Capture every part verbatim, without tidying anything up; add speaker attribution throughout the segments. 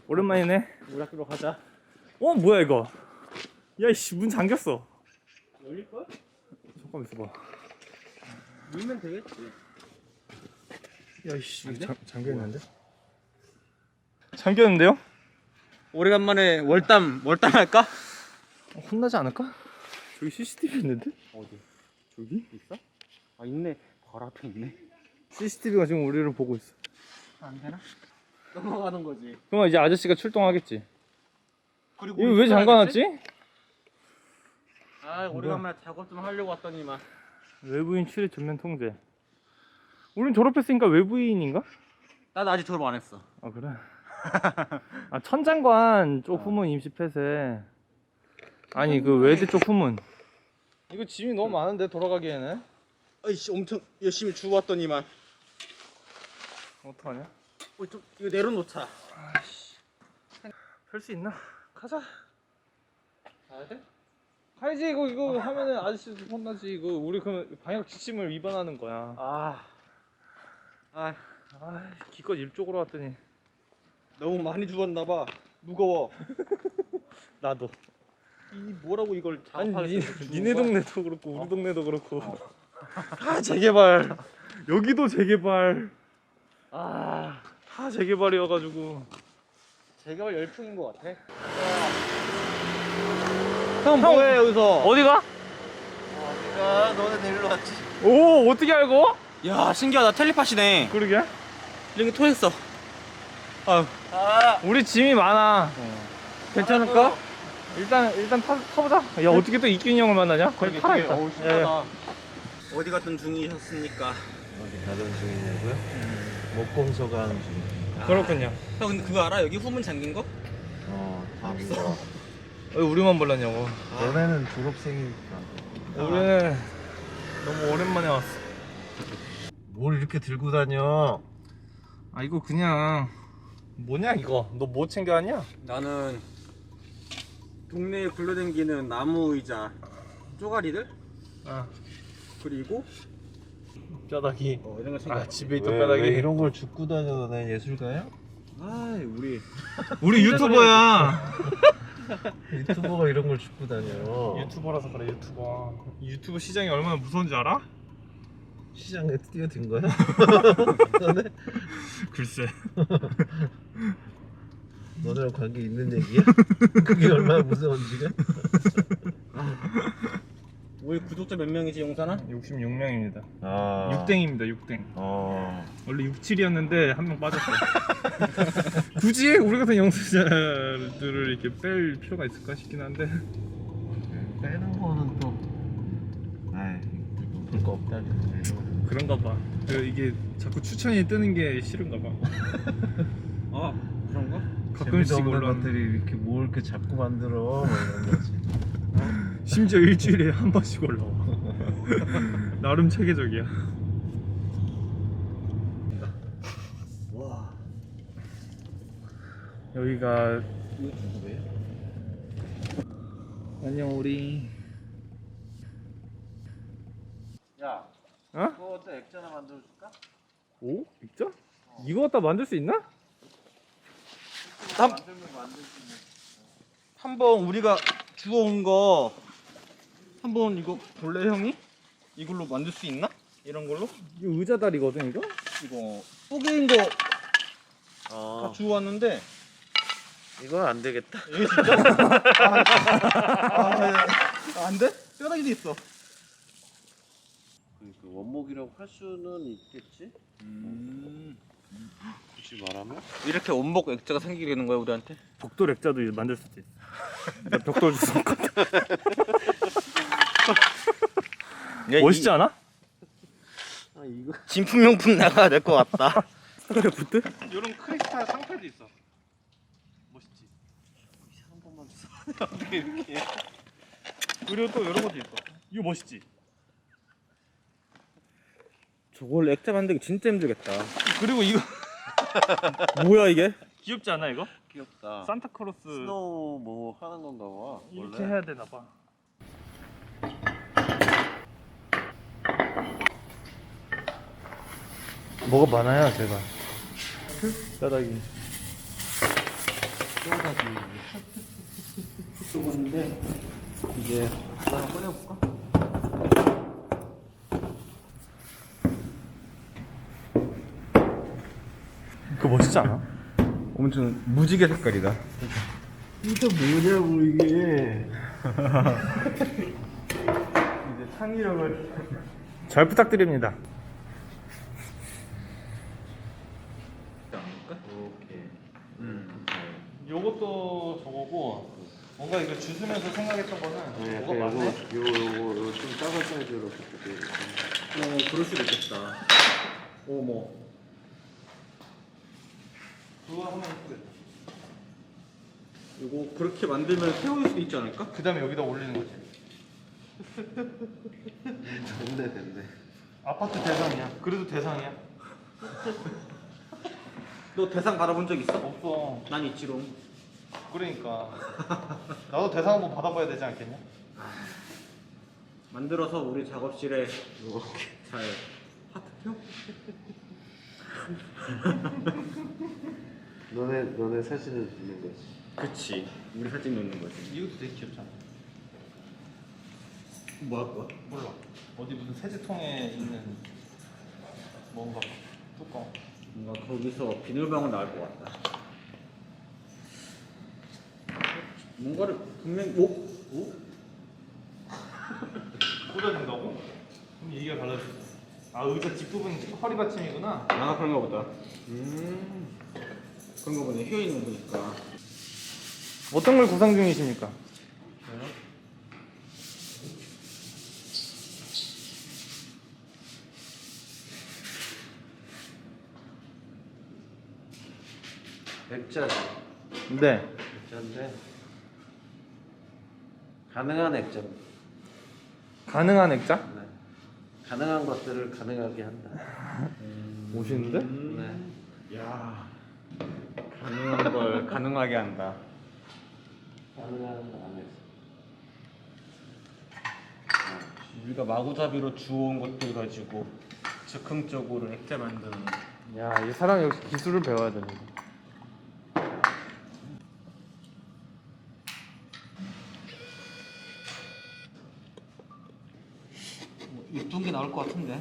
Speaker 1: 오랜만이네.
Speaker 2: 물 학교로 가자.
Speaker 1: 어 뭐야 이거? 야이씨 문 잠겼어.
Speaker 2: 열릴걸?
Speaker 1: 잠깐만 있어봐.
Speaker 2: 열면 되겠지.
Speaker 1: 야이씨 잠 잠겼는데? 잠겼는데요?
Speaker 2: 오래간만에 월담 월담 할까?
Speaker 1: 어, 혼나지 않을까? 저기 씨씨티비 있는데?
Speaker 2: 어디?
Speaker 1: 저기?
Speaker 2: 있어? 아 있네. 바로 앞에 있네.
Speaker 1: 씨씨티비가 지금 우리를 보고 있어.
Speaker 2: 안 되나? 넘어가는 거지.
Speaker 1: 그럼 이제 아저씨가 출동하겠지.
Speaker 2: 그리고
Speaker 1: 이거 왜 잠가놨지?
Speaker 2: 아 오래간만에 작업 좀 하려고 왔더니만.
Speaker 1: 외부인 출입 전면 통제. 우린 졸업했으니까 외부인인가?
Speaker 2: 나도 아직 졸업 안 했어.
Speaker 1: 아 그래? 아 천장관 쪽 후문 임시 폐쇄. 아니 그 외대 쪽 후문. 이거 짐이 너무 많은데 돌아가기에는.
Speaker 2: 아이씨 엄청 열심히 주고 왔더니만.
Speaker 1: 어떡하냐?
Speaker 2: 어, 좀 이거 내려놓자.
Speaker 1: 아이씨. 펼 수 있나? 가자.
Speaker 2: 가야 돼?
Speaker 1: 가야지. 이거 이거 하면은 아저씨도 혼나지. 이거 우리 그 방역 지침을 위반하는 거야.
Speaker 2: 아, 아
Speaker 1: 아 기껏 이쪽으로 왔더니.
Speaker 2: 너무 많이 주웠나봐. 무거워.
Speaker 1: 나도.
Speaker 2: 이 뭐라고 이걸
Speaker 1: 아니
Speaker 2: 작업할
Speaker 1: 니,
Speaker 2: 수 있어,
Speaker 1: 니네
Speaker 2: 주는 거야?
Speaker 1: 동네도 그렇고 우리 동네도 그렇고 다 재개발. 여기도 재개발.
Speaker 2: 아
Speaker 1: 다 재개발이어가지고.
Speaker 2: 재개발 열풍인 것 같아. 형 뭐해 여기서?
Speaker 1: 어디가?
Speaker 2: 어디가? 너네 내리러 왔지.
Speaker 1: 오 어떻게 알고?
Speaker 2: 야 신기하다. 텔레파시네.
Speaker 1: 그러게.
Speaker 2: 이런 게 통했어. 아유. 아
Speaker 1: 우리 짐이 많아. 괜찮을까? 일단 일단 타, 타보자. 야 어떻게 또 이균이 형을 만나냐? 거기 타야겠다.
Speaker 2: 어우
Speaker 1: 예,
Speaker 2: 신기하다. 어디 갔던 중이셨습니까?
Speaker 3: 어디 가던 중이냐고요? 목공소 가는 중.
Speaker 1: 예. 그렇군요.
Speaker 2: 형 근데 그거 알아? 여기 후문 잠긴 거?
Speaker 3: 어, 봤어.
Speaker 1: 왜 우리만 몰랐냐고.
Speaker 3: 너네는 졸업생이니까.
Speaker 1: 우리는 너무 오랜만에 왔어.
Speaker 3: 뭘 이렇게 들고 다녀?
Speaker 1: 아 이거 그냥 뭐냐 이거? 너 뭐 챙겨왔냐?
Speaker 2: 나는 동네에 굴러다니는 나무 의자 쪼가리들
Speaker 1: 아
Speaker 2: 그리고
Speaker 1: 뼈다귀.
Speaker 2: 어, 이런 거 챙겨.
Speaker 1: 아 집에 있던
Speaker 3: 왜,
Speaker 1: 뼈다귀.
Speaker 3: 왜 이런 걸 줍고 다녀? 너네 예술가야?
Speaker 2: 아 우리
Speaker 1: 우리 유튜버야.
Speaker 3: 유튜버가 이런 걸 줍고 다녀.
Speaker 1: 유튜버라서 그래 유튜버. 유튜브 시장이 얼마나 무서운지 알아?
Speaker 3: 시장에 뛰어든 거야? 너네?
Speaker 1: 글쎄.
Speaker 3: 너네랑 관계 있는 얘기야? 그게 얼마나 무서운지가?
Speaker 2: 우리 구독자 몇 명이지 용산아?
Speaker 1: 육십육 명입니다.
Speaker 3: 아.
Speaker 1: 육땡입니다 육땡.
Speaker 3: 어.
Speaker 1: 원래 육칠이었는데 한 명 빠졌어. 굳이 우리 같은 영수자들을 이렇게 뺄 필요가 있을까 싶긴 한데.
Speaker 3: 빼는 거는 또. 아이, 볼거 없다.
Speaker 1: 그런가 봐. 그 이게 자꾸 추천이 뜨는 게 싫은가 봐.
Speaker 2: 아 그런가?
Speaker 1: 가끔씩
Speaker 3: 재미도 없는
Speaker 1: 올라.
Speaker 3: 것들이 이렇게 뭘 이렇게 자꾸 만들어 뭐 이런 거지.
Speaker 1: 심지어 일주일에 한 번씩 올라와. 나름 체계적이야.
Speaker 2: 와
Speaker 1: 여기가
Speaker 2: 이거 누구예요?
Speaker 1: 안녕 우리.
Speaker 2: 야
Speaker 1: 어?
Speaker 2: 그거 어때 액자 하나 만들어줄까?
Speaker 1: 오? 진짜? 이거 갖다 만들 수 있나?
Speaker 2: 한, 한번 우리가 주워온 거 한번 이거 볼래 형이? 이걸로 만들 수 있나? 이런 걸로?
Speaker 1: 이거 의자 다리거든 이거?
Speaker 2: 이거 뽀개인 거 다
Speaker 3: 어.
Speaker 2: 주워왔는데
Speaker 3: 이건 안 되겠다.
Speaker 2: 이게 진짜? 아, 아, 안 돼? 뼈다귀도 있어.
Speaker 3: 그 원목이라고 할 수는 있겠지.
Speaker 2: 음.
Speaker 3: 굳이 말하면?
Speaker 2: 이렇게 원목 액자가 생기게 되는 거야 우리한테?
Speaker 1: 벽돌 액자도 만들 수도 있어. 나 벽돌 주워. 멋있지 않아?
Speaker 3: 아 이거.
Speaker 2: 진품명품 나가야 될 것 같다.
Speaker 1: 스타크래프트? 이런 크리스탈 상패도 있어. 멋있지.
Speaker 3: 한 번만 주세요.
Speaker 2: 어떻게 이렇게?
Speaker 1: 그리고 또 이런 것도 있어. 이거 멋있지?
Speaker 2: 저걸 액자 만들기 진짜 힘들겠다.
Speaker 1: 그리고 이거
Speaker 2: 뭐야 이게?
Speaker 1: 귀엽지 않아 이거?
Speaker 3: 귀엽다.
Speaker 1: 산타크로스
Speaker 3: 스노우 뭐 하는 건가 봐.
Speaker 1: 이렇게
Speaker 3: 원래?
Speaker 1: 해야 되나 봐. 뭐가 많아요 제가. 뼈다귀.
Speaker 2: 건데 이제 하나 꺼내볼까?
Speaker 1: 그거 멋지지 않아?
Speaker 2: 엄청 무지개 색깔이다.
Speaker 3: 이게 뭐냐고 이게.
Speaker 2: 이제 창의력을
Speaker 1: 잘 부탁드립니다.
Speaker 3: 오케이.
Speaker 2: 음.
Speaker 1: 요것도 저거고 뭔가 이거 주스면서 생각했던 거는
Speaker 3: 네,
Speaker 1: 뭐가
Speaker 3: 요거
Speaker 1: 맞네?
Speaker 3: 요거 요거 요거 좀 작은 사이즈로 부탁드릴게요.
Speaker 2: 어 그럴 수도 있겠다. 어머.
Speaker 1: 그거 하면 예쁘겠다.
Speaker 2: 이거 그렇게 만들면 세울 수도 있지 않을까?
Speaker 1: 그 다음에 여기다 올리는 거지.
Speaker 3: 됐네 됐네.
Speaker 1: 아파트 대상이야. 그래도 대상이야.
Speaker 2: 너 대상 받아본 적 있어?
Speaker 1: 없어.
Speaker 2: 난 있지롱.
Speaker 1: 그러니까 나도 대상 한번 받아봐야 되지 않겠냐?
Speaker 2: 만들어서 우리 작업실에 잘 하트표?
Speaker 3: 너네 너네 사진을 찍는 거지.
Speaker 2: 그치. 우리 사진 넣는 거지.
Speaker 1: 이것도 되게 귀엽잖아.
Speaker 2: 뭐 할 거야?
Speaker 1: 몰라. 어디 무슨 세제통에 있는 뭔가 뚜껑.
Speaker 2: 뭔가 거기서 비닐방울 나올 것 같다. 뭔가를 분명 오? 오?
Speaker 1: 꽂아준다고? 그럼 얘기가 달라졌어. 아 의자 뒷부분 허리 받침이구나.
Speaker 2: 아 그런가 보다.
Speaker 3: 음.
Speaker 2: 그런 거 보네. 휘어 있는 거 보니까.
Speaker 1: 어떤 걸 구상 중이십니까?
Speaker 3: 액자지.
Speaker 1: 네.
Speaker 3: 액자인데 가능한 액자입니다.
Speaker 1: 가능한 액자?
Speaker 3: 네. 가능한 것들을 가능하게 한다.
Speaker 1: 멋있는데?
Speaker 3: 네.
Speaker 2: 야 가능한 걸 가능하게 한다.
Speaker 3: 가능한 안에서.
Speaker 2: 우리가 마구잡이로 주워온 것들 가지고 즉흥적으로 액자 만드는.
Speaker 1: 야, 이 사람 역시 기술을 배워야 됩니다.
Speaker 2: 뭐 이쁜 게 나올 것 같은데.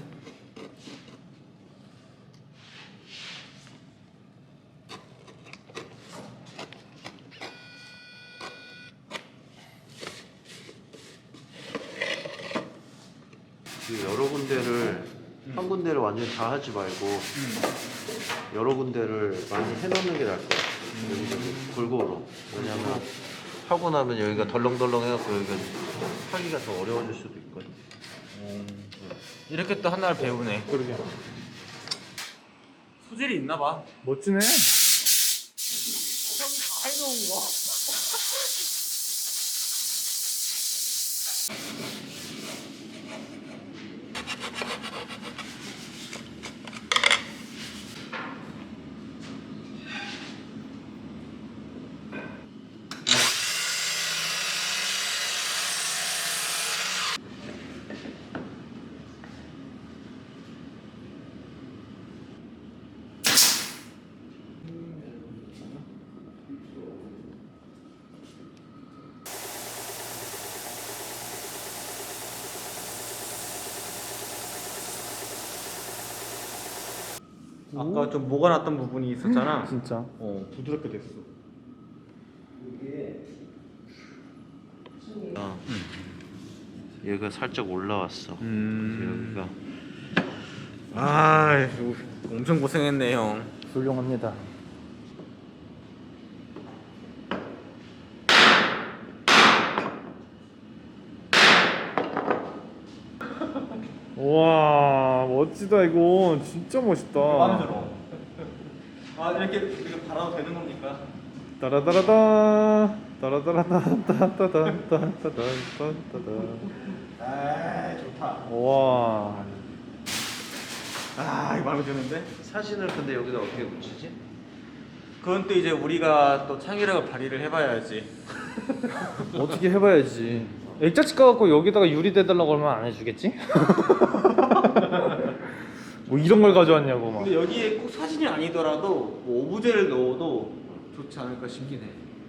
Speaker 3: 그 여러 군데를 한 군데를 완전히 다 하지 말고 여러 군데를 많이 해놓는 게 나을 것 같아요. 여기저기 골고루. 왜냐면 하고 나면 여기가 덜렁덜렁 해갖고 여기가 하기가 더 어려워질 수도 있거든.
Speaker 2: 이렇게 또 하나를 배우네.
Speaker 1: 그러게.
Speaker 2: 소질이 있나 봐.
Speaker 1: 멋지네.
Speaker 2: 해놓은 거. 아까 좀 뭐가 났던 부분이 있었잖아.
Speaker 1: 진짜.
Speaker 2: 어 부드럽게 됐어.
Speaker 3: 어. 얘가 살짝 올라왔어.
Speaker 2: 음.
Speaker 3: 여기가
Speaker 2: 아, 엄청 고생했네 형.
Speaker 1: 훌륭합니다. 와, 멋지다 이거. 진짜 멋있다.
Speaker 2: 마음에 들어. 아 이렇게 이렇게 달아도 되는 겁니까?
Speaker 1: 따라따라따 따라따라따따따따따따따따따.
Speaker 2: 아 좋다.
Speaker 1: 와.
Speaker 2: 아 이거 마음에 드는데?
Speaker 3: 사진을 근데 여기다 어떻게 붙이지?
Speaker 2: 그건 또 이제 우리가 또 창의력을 발휘를 해봐야지.
Speaker 1: 어떻게 해봐야지. 액자치 까갖고 여기다가 유리 대달라고 하면 안 해주겠지? 뭐 이런 걸 가져왔냐고 막.
Speaker 2: 근데 여기에 꼭 사진이 아니더라도 뭐 오브제를 넣어도 좋지 않을까 싶긴 해.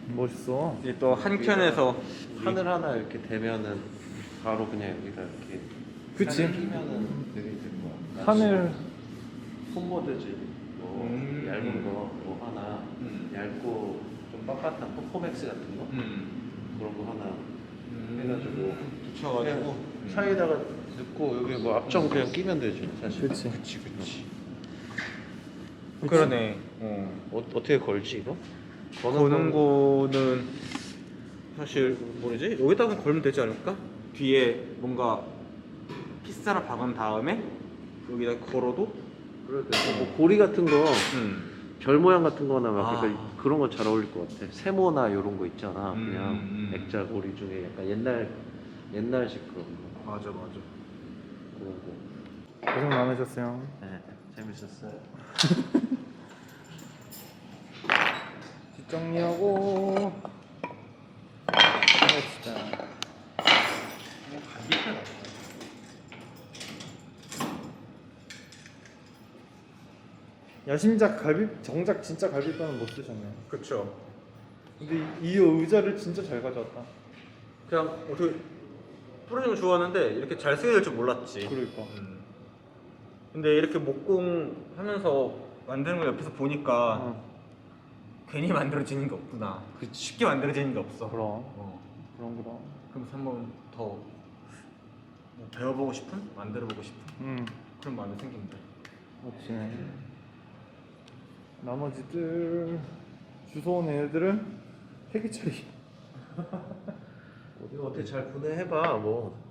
Speaker 1: 멋있어.
Speaker 2: 이제 또 한 켠에서
Speaker 3: 하늘 하나 이렇게 대면은 바로 그냥 여기다 이렇게
Speaker 1: 그치.
Speaker 3: 하늘 끼면은 되게 될 거야.
Speaker 1: 하늘
Speaker 3: 폼보드지 뭐
Speaker 2: 음.
Speaker 3: 얇은 거 뭐 하나
Speaker 2: 음.
Speaker 3: 얇고 좀 빳빳한 퍼포맥스 같은 거
Speaker 2: 음.
Speaker 3: 그런 거 하나
Speaker 2: 음.
Speaker 3: 해가지고
Speaker 2: 붙여가지고
Speaker 3: 그냥 사이에다가 넣고 여기 뭐 앞정 그냥 끼면 되지 사실.
Speaker 1: 그치.
Speaker 2: 그치 그치 그러네. 어.
Speaker 3: 어, 어떻게 걸지 이거?
Speaker 2: 거는 거는 사실 뭐지? 여기다가 걸면 되지 않을까? 뒤에 뭔가 피스라 박은 다음에 여기다 걸어도
Speaker 3: 그래도 뭐 고리 같은 거 별
Speaker 2: 음.
Speaker 3: 모양 같은 거나 막
Speaker 2: 아.
Speaker 3: 그러니까 그런 거 잘 어울릴 것 같아. 세모나 이런 거 있잖아.
Speaker 2: 음,
Speaker 3: 그냥
Speaker 2: 음.
Speaker 3: 액자 고리 중에 약간 옛날 옛날식 그런 거
Speaker 2: 맞아 맞아.
Speaker 3: 그런 거.
Speaker 1: 고생 많으셨어요.
Speaker 3: 네, 재밌었어요.
Speaker 1: 뒷정리하고 해봅시다. 야심작 갈비 정작 진짜 갈비뼈는 못 드셨네요.
Speaker 2: 그쵸.
Speaker 1: 근데 이, 이 의자를 진짜 잘 가져왔다.
Speaker 2: 그냥 어떻게 프로님 좋아하는데 이렇게 잘 쓰게 될 줄 몰랐지.
Speaker 1: 그러니까.
Speaker 2: 음. 근데 이렇게 목공 하면서 만드는 걸 옆에서 보니까
Speaker 1: 어,
Speaker 2: 괜히 만들어지는 게 없구나. 쉽게 만들어지는 게 없어.
Speaker 1: 그럼
Speaker 2: 어.
Speaker 1: 그럼 그럼.
Speaker 2: 그럼 한번 더 뭐 배워보고 싶은? 만들어보고 싶은?
Speaker 1: 음,
Speaker 2: 그런 마음이 생긴다.
Speaker 1: 그렇지. 나머지들 주소 온 애들은 폐기 처리.
Speaker 3: 어디 어떻게 잘 분해해봐 뭐.